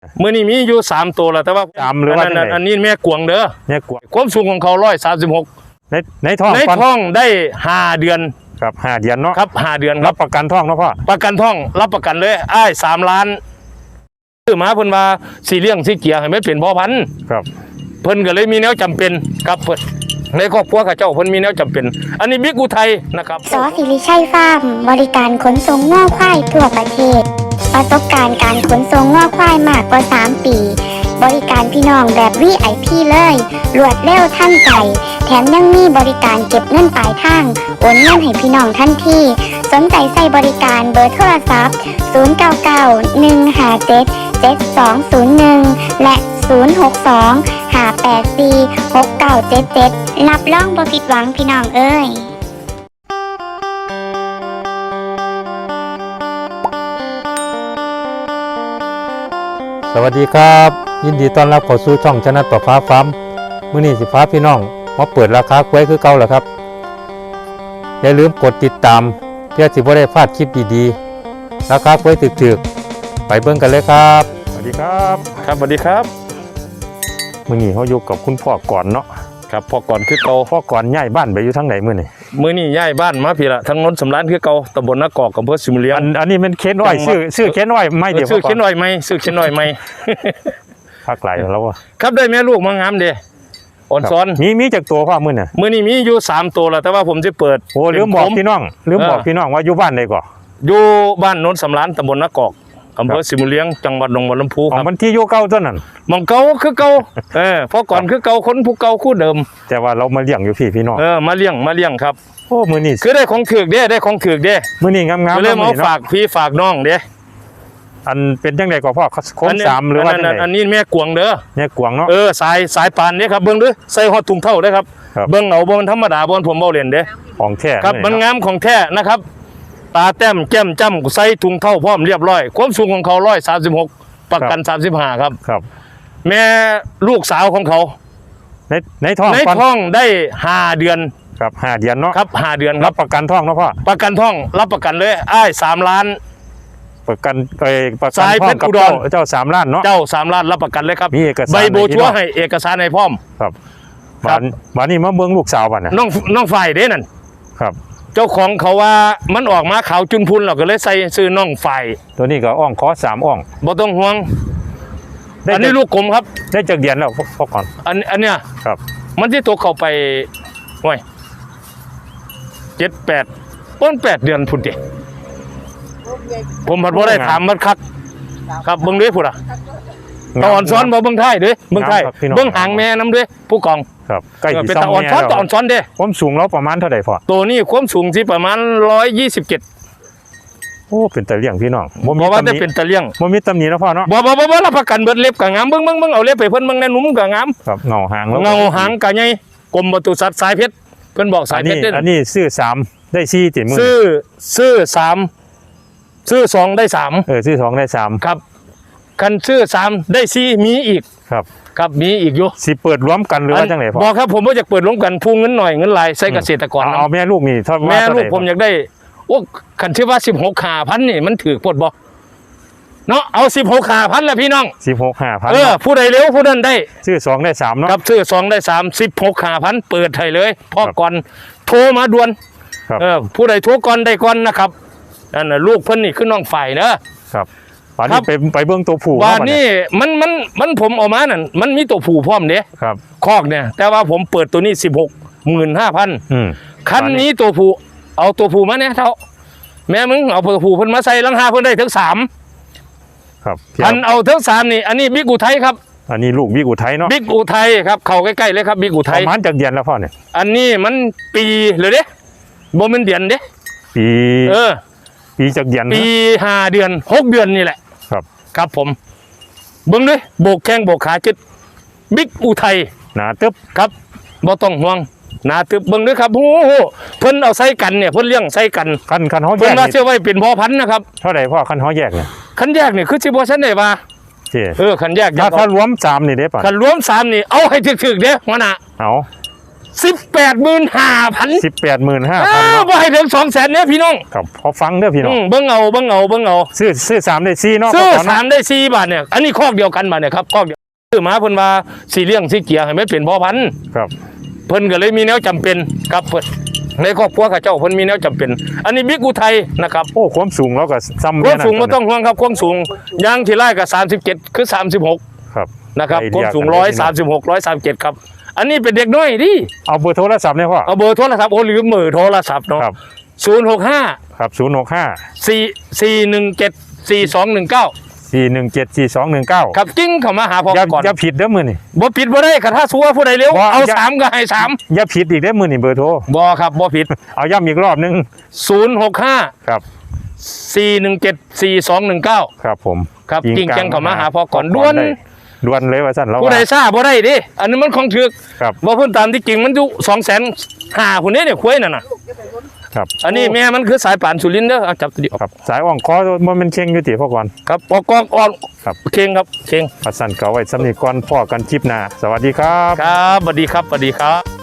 มื่อนี้มีอยู่3ตัวแล้วแต่ว่าหรือว่าอันนี้แม่กวงเด้อแม่กวงความสูงของเขา136 ในท้องได้5 เดือนครับ5 เดือนเนาะครับ5 เดือนรับประกันท้องเนาะพ่อประกันท้องรับประกันเลยอ้าย3 ล้านซื้อมาเพิ่นว่าสีเลี้ยงสีเกียให้มันเป็นพ่อพันธุ์ครับเพิ่นก็เลยมีแนวจำเป็นครับเพิ่นในครอบครัวข้าเจ้าเพิ่นมีแนวจำเป็นอันนี้บิ๊กอุทัยนะครับสอศิริชัยฟาร์มบริการขนส่งง่อควายทั่วประเทศประสบการณ์การขนส่งง่อควายมากกว่า3 ปีบริการพี่น้องแบบ VIP เลยรวดเร็วทันใจแถมยังมีบริการเก็บเงินปลายทางโอนเงินให้พี่น้องทันทีสนใจใส่บริการเบอร์โทรศัพท์0991577201และ062-584-6977รับรองบ่ผิดหวังพี่น้องเอ้ยสวัสดีครับยินดีต้อนรับเข้าสู่ช่องชนะต่อฟ้าฟาร์มมื้อนี้สิพาพี่น้องมาเปิดราคากล้วยคือเก่าแล้วครับอย่าลืมกดติดตามเพื่อสิบ่ได้พลาดคลิปดีๆราคากล้วยถึกๆไปเบิ่งกันเลยครับสวัสดีครับครับสวัสดีครับมื้อนี้เฮาอยู่กับคุณพ่อก่อนเนาะครับพ่อก่อนคือเก่าพ่อก่อนย้ายบ้านไปอยู่ทางไหนมื้อนี้ย้ายบ้านมาพี่ละทางนนท์สำรานคือเก่าตำบลนากอกอำเภอสิมเลียงอันนี้มันเค้นอ้อยชื่อเค้นอ้อยไม่เดี๋ยวชื่อเค้นอ้อยไม่ชื่อเค้นอ้อยไม่ภาคไหลแล้วครับได้แม่ลูกมางามเด้อ่อนซ้อนมีจากตัวพ่อมื้อนี้มีอยู่3 ตัวแล้วแต่ว่าผมจะเปิดโอ้ลืมบอกพี่น้องว่าอยู่บ้านใดก่ออยู่บ้านนนท์สำรานตำบลนากอกอำเภอสิมเลียงจังหวัดหนองบัวลำพูครับมันที่อยู่เก่าต้นนั้นมองเก่าคือเก่าพอก่อนคือเก่าคนผู้เก่าคู่เดิมแต่ว่าเรามาเลี้ยงอยู่พี่น้องมาเลี้ยงครับโอ้มื้อนี้คือได้ของถือกเด้มื้อนี้งามๆเลยมาฝากพี่ฝากน้องเด้อันเป็นจังได๋ก็พ่อโค้ง3หรือว่าจังได๋อันนี้แม่กวงเด้อแม่กวงเนาะสายปานนี่ครับเบิ่งเด้อใส่ฮอดถุงเท่าเด้อครับเบิ่งเอาบ่มันธรรมดาบ่ผมเว้าเล่นเด้ของแท้ครับมันงามของแท้นะครับตาแต้มแก้มจ้ำใส่ถุงเท่าพร้อมเรียบร้อยความสูงของเขา136ประกัน35ครับแม่ลูกสาวของเขาในท้องได้5 เดือนครับ5 เดือนเนาะครับ5 เดือนรับประกันท้องเนาะพ่อประกันท้องรับประกันเลยอ้าย3 ล้านประกันท้องกับเจ้า3 ล้านเนาะเจ้า3 ล้านรับประกันเลยครับมีเอกสารใบโบชัวให้เอกสารให้พร้อมครับบ้านนี้มาเบิ่งลูกสาวบ้านน่ะน้องฝ่ายเด้นั่นครับเจ้าของเขาว่ามันออกมาขาวจุนพุนเราก็เลยใส่ซื้อน้องฝ่ายตัวนี้ก็อ่องขอ3 อ่องบ่ต้องห่วงอันนี้ลูกกลมครับได้จากเดือนแล้วพ่อก่อนอันเนี้ยครับมันที่ตัวเข้าไปโอ้ย7-8 ต้น 8 เดือนพุ่นดิผมพัดบ่ได้ถามมันคักครับเบิ่งด้วยพุ่นตอนซ้อนบ่เบิ่งไทยเด้เบิ่งไทยเบิ่งหางแม่น้ำด้วยผู้กองครับใกล้สิเป็นตอนซ้อนเด้ความสูงเราประมาณเท่าใดพ่อตัวนี้ความสูงสิประมาณ127 โอ้เป็นตะเลี่ยงพี่น้องบ่ว่าจะเป็นตะเลี่ยงบ่มีตำหนินะพ่อเนาะบ่รับประกันเบิดเล็บก็งามเบิ่งเอาเล็บไปเพิ่นเบิ่งแน่นุ่มก็งามครับเงาหางก็ใหญ่กรมปศุสัตว์สายเพชรเพิ่นบอกสายเพชรอันนี้ซื้อ3ได้4ติมื้อซื้อ3ซื้อ2ได้3 ซื้อ2ได้3 ครับคันซื้อ3ได้4มีอีกครับมีอีกอยู่สิเปิดรวมกันหรือว่าจังได๋พ่อบ่ครับผมบ่อยากเปิดรวมกันพูเงินหน่อยเงินหลายใส่เกษตรกรเอาแม่ลูกนี่เท่าแม่ลูกผมอยากได้โอ้คันชื่อว่า16,000นี่มันถือปดบ่เนาะเอา16,000แล้วพี่น้อง 16,000 ผู้ใดเร็วผู้นั้นได้ซื้อ2ได้3เนาะครับซื้อ2ได้3 16,000เปิดให้เลยพ่อก่อนโทรมาด่วนผู้ใดโทรก่อนได้ก่อนนะครับนั่นน่ะลูกเพิ่นนี่คือน้องฝ่ายเนอะครับวันนี้ไปเบิ่งตัวผู้วันนี้มันผมเอามานั่นมันมีตัวผู้พร้อมเด้ครับคอกเนี่ยแต่ว่าผมเปิดตัวนี้16,500คันนี้ตัวผู้เอาตัวผู้มาเนี่ยเท่าแม่มึงเอาตัวผู้เพิ่นมาใส่ลังหาเพิ่นได้ถึง3 ครับอันเอาถึง3นี่อันนี้บิ๊กอุทัยครับอันนี้ลูกบิ๊กอุทัยเนาะบิ๊กอุทัยครับเข้าใกล้ๆเลยครับบิ๊กอุทัยประมาณจักเดือนแล้วพ่อเนี่ยอันนี้มันปีเลยเด้บ่แม่นเดือนเด้ปีจักเดือนปี5 เดือน6 เดือนนี่แหละครับผมเบิ่งด้วยโบกแข้งโบกขาจิตบิ๊กอุทัยหนาตึ๊บครับบ่ต้องห่วงหนาตึ๊บเบิ่งด้วยครับโอ้โหเพิ่นเอาใส่กันเนี่ยเพิ่นเลี้ยงใส่กันคันเฮาแยกเพิ่นว่าเชื่อไว้เป็นพ่อพันธุ์นะครับเท่าใดพ่อคันเฮาแยกเนี่ยคันแยกนี่คือสิบ่ซันได้ว่าคันแยกถ้ารวม3นี่เด้ป่ะคันรวม3นี่เอาให้ถึกๆเด้หัวหน้าเอา 18,500 18,500 บ่ให้ถึง200,000เนี่ยพี่น้องครับพอฟังเด้อพี่น้องเบิ่งเอาซื้อ3ได้4เนาะซื้อพ่ก่นเนาะ 3ได้4บาทเนี่ยอันนี้คอกเดียวกันบาทเนี่ยครับคอกเดียวซื้อมาเพิ่นว่าสิเลี้ยงสิเกียให้มันเป็นพ่อพันธุ์ครับเพิ่นก็เลยมีแนวจำเป็นครับเพิ่นในครอบครัวข้าเจ้าเพิ่นมีแนวจำเป็น อันนี้บิ๊กอุทัยนะครับโอ้ความสูงเราก็ซ้ำความสูงแนั่บ่นต้องห่วงครับความสูงยางที่ไร่ก็37คือ36 ครับนะครับไอคเดีวามยสูงกันเลยพี่น้อง 136 137ครับอันนี้เป็นเด็กน้อยดิเอาเบอร์โทรศัพท์เนี่ยพ่อเอาเบอร์โทรศัพท์โอ้ลืมเบอร์โทรศัพท์เนาะครับ 065 ครับ 417 4219 065 417 4219 ครับจิ้งเข้ามาหาพ่ออย่าก่อนอย่าผิดเด้อมื้อนี่บ่ผิดบ่ได้ค่ะถ้าสัวผู้ใดเร็วบ่เอาอย่า 3ก็ให้3 อย่าผิดอีกเด้อมื้อนี่เบอร์โทรบ่ครับบ่ผิดเอาย้ำอีกรอบนึง 065 ครับ 417 4219 ครับผมครับจริงจังเข้ามาหาพ่อก่อนพ่ด่วนได้ด่วนเลยว่าซั่นแล้วผู้ใดว่าทราบบ่ได้ดิอันนี้มันของถึกครับบ่เพิ่นตามที่จริงมันอยู่250,000พุ่นเนี่ยควายนั่นน่ะครับอันนี้แม่มันคือสายป่านสุรินทร์เด้อเอาจับตัวเดียวครับสายอ่องคอมันเป็นเข่งอยู่ติพ่อก่อนครับปอกอกอ่อนครับเข่งครับเข่งพัดสั่นเก่าไว้สำนีก่อนพ่อกันคลิปหน้าสวัสดีครับครับสวัสดีครับสวัสดีครับ